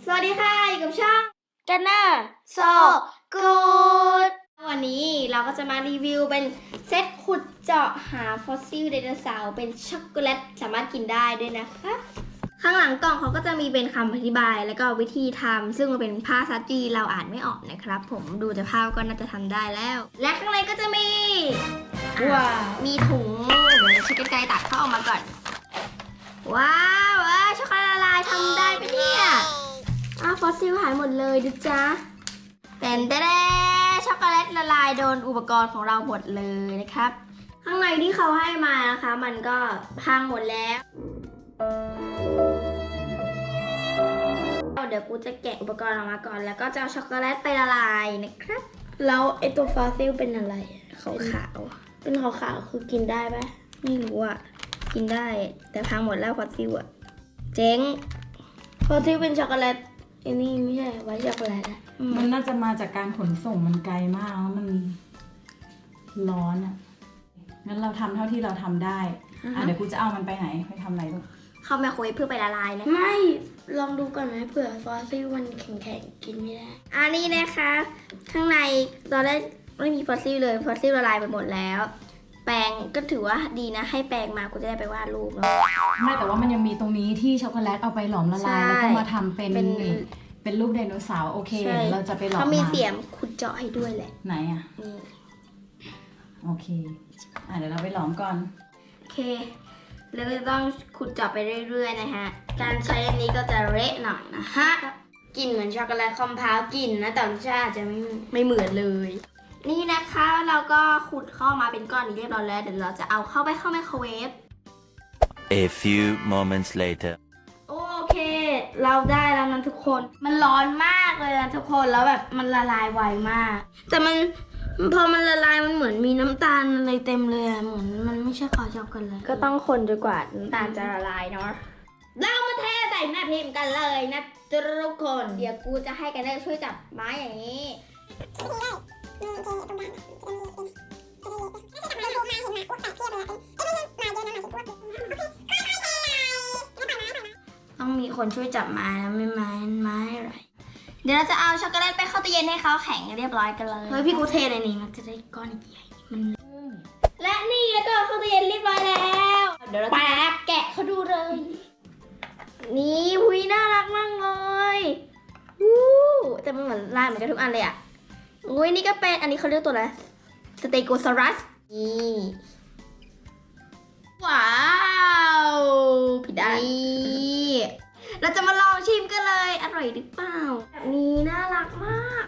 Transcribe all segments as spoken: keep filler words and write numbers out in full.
สวัสดีค่ะอยู่กับช่องกันเนอร์โซกูดวันนี้เราก็จะมารีวิวเป็นเซตขุดเจาะหาฟอสซิลไดโนเสาร์เป็นช็อกโกแลตสามารถกินได้ด้วยนะคะข้างหลังกล่องเขาก็จะมีเป็นคำอธิบายแล้วก็วิธีทำซึ่งมันเป็นภาษาจีนเราอ่านไม่ออกนะครับผมดูจากภาพก็น่าจะทำได้แล้ว และข้างในก็จะมีว้าวมีถุงเดี๋ยวใช้กรรไกรตัดเข้าออกมาก่อนว้าวว้าวช็อกโกแลตละลายทำได้ปะเนี่ยอ้าวฟอสซิลหายหมดเลยดูจ้าแต่นแต่ช็อกโกแลตละลายโดนอุปกรณ์ของเราหมดเลยนะครับข้างในที่เขาให้มานะคะมันก็พังหมดแล้วเดี๋ยวกูจะแกะอุปกรณ์ออกมาก่อนแล้วก็จะเอาช็อกโกแลตไปละลายนะครับแล้วไอตัวฟอสซิลเป็นอะไรขาวขาวเป็นขาวๆคือกินได้ปะไม่รู้อ่ะกินได้แต่พังหมดแล้วฟอสซิลอ่ะเจ๊งฟอสซิลเป็นช็อกโกแลตไอ้นี่ไม่ใช่ไว้ช็อกโกแลตอะมันน่าจะมาจากการขนส่งมันไกลมากแล้วมันร้อนอ่ะงั้นเราทำเท่าที่เราทำได้อ่ะเดี๋ยวกูจะเอามันไปไหนไปทำอะไรลูกเข้าไมโครเวฟเพื่อไปละลายนะไม่ลองดูก่อนไหมเผื่อฟอสซิลมันแข็งๆกินไม่ได้อันนี้นะคะข้างในตอนแรกไม่มีฟอสซิลเลยฟอสซิลละลายไปหมดแล้วแปรงก็ถือว่าดีนะให้แปรงมากูจะได้ไปวาดรูปเนาะไม่แต่ว่ามันยังมีตรงนี้ที่ช็อกโกแลตเอาไปหลอมละลายแล้วก็มาทำเป็นเป็นรูปไดโนเสาร์โอเคเราจะไปหลอมเขามีเสียมขุดเจาะให้ด้วยแหละไหนอ่ะนี่โอเคอ่ะเดี๋ยวเราไปหลอมก่อนโอเคแล้วก็ต้องขุดเจาะไปเรื่อยๆนะฮะการใช้อันนี้ก็จะเละหน่อยนะฮะกลิ่นเหมือนช็อกโกแลตคอมเพลกลิ่นนะแต่รสชาติจะไม่ไม่เหมือนเลยนี่นะคะเราก็ขุดเข้ามาเป็นก้อนนี้เรียบร้อยแล้วเดี๋ยวเราจะเอาเข้าไปเข้าไมโครเวฟ A few moments later โอเคเราได้แล้วนะทุกคนมันร้อนมากเลยนะทุกคนแล้วแบบมันละลายไวมากแต่มันพอมันละลายมันเหมือนมีน้ำตาลอะไรเต็มเลยเหมือนมันไม่ใช่ขอช็อกโกแลตก็ต้องคนจนกว่าน้ำตาลจะละลายเนาะเรามาเทใส่แม่พิมพ์กันเลยนะทุกคนเดี๋ยวกูจะให้กันได้ช่วยจับไม้อย่างนี้ต้องมีคนช่วยจับไม้นะไม่ไม้ไม้อะไรเดี๋ยวเราจะเอาช็อกโกแลตไปเข้าตู้เย็นให้เขาแข็งเรียบร้อยกันเลยเฮ้ยพี่กูเทในนี้มันจะได้ก้อนใหญ่มันและนี่แล้วก็เข้าตู้เย็นเรียบร้อยแล้วเดี๋ยวเราแป๊บแกะเขาดูเลยนี่หุยน่ารักมากเลยวู้แต่มันเหมือนลายเหมือนกันทุกอันเลยอ่ะอุ้ยนี่ก็เป็นอันนี้เขาเรียกตัวอะไรสเตโกซอรัสนี่ว้าวผิดได้นี่เราจะมาลองชิมกันเลยอร่อยหรือเปล่าแบบนี้น่ารักมาก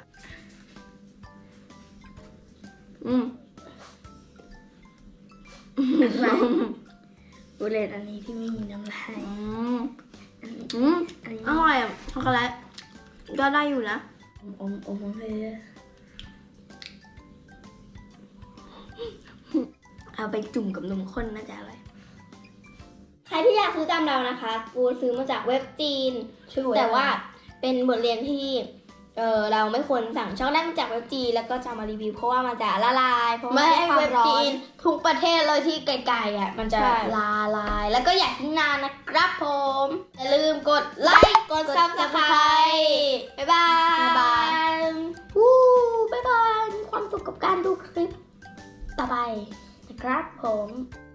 อืมบุเลตอันนี้ที่ไม่มีน้ำลายอืมอืมอร่อยอ่ะช็อกโกแลตก็ได้อยู่นะอมอมอมเลยเอาไปจุ่มกับนมข้นน่าจะอร่อยใครที่อยากซื้อตามเรานะคะกูซื้อมาจากเว็บจีนแต่ว่าเป็นบทเรียนที่เออเราไม่ควรสั่งช็อกโกแลตมาจากเว็บจีนแล้วก็จะมารีวิวเพราะว่ามันจะละลายเพราะว่าเว็บจีนทุกประเทศเลยที่ไกลๆอ่ะมันจะละลายแล้วก็อยากทิ้งนานนะครับผมอย่าลืมกดไลค์กดซับสไครต์บ๊ายบายบ๊ายบายวู้บ๊ายบายมีความสุขกับการดูคลิปต่อไปนะครับผม